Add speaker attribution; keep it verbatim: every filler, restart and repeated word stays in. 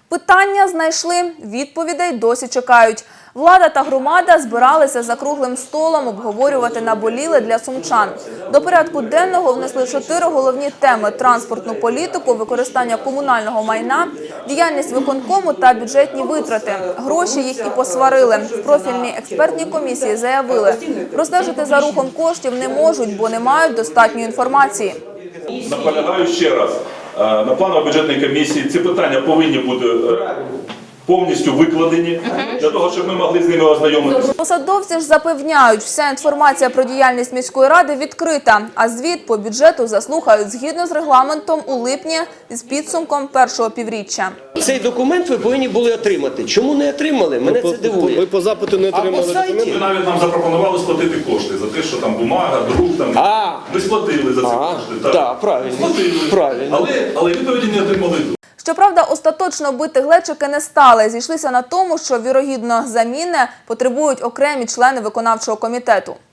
Speaker 1: Питання знайшли, відповідей досі чекають. Влада та громада збиралися за круглим столом обговорювати наболіле для сумчан. До порядку денного внесли чотири головні теми – транспортну політику, використання комунального майна, діяльність виконкому та бюджетні витрати. Гроші їх і посварили. В профільній експертній комісії заявили, простежити за рухом коштів не можуть, бо не мають достатньої інформації.
Speaker 2: Наполягаю ще раз, на планово-бюджетній комісії ці питання повинні бути повністю викладені, для того, щоб ми могли з ними ознайомитися.
Speaker 1: Посадовці ж запевняють, вся інформація про діяльність міської ради відкрита, а звіт по бюджету заслухають згідно з регламентом у липні з підсумком першого півріччя.
Speaker 3: Цей документ ви повинні були отримати. Чому не отримали? Мене це дивує.
Speaker 4: Ви по запиту не отримали документ?
Speaker 2: Ви навіть нам запропонували сплатити кошти за те, що там бумага, друк, там.
Speaker 3: А.
Speaker 2: Ми сплатили за ці
Speaker 3: А,
Speaker 2: кошти.
Speaker 3: так, да, правильно.
Speaker 2: Сплатили.
Speaker 3: Правильно.
Speaker 2: Але, але відповіді не отримали.
Speaker 1: Щоправда, остаточно бити глечики не стали. Зійшлися на тому, що, вірогідно, заміни потребують окремі члени виконавчого комітету.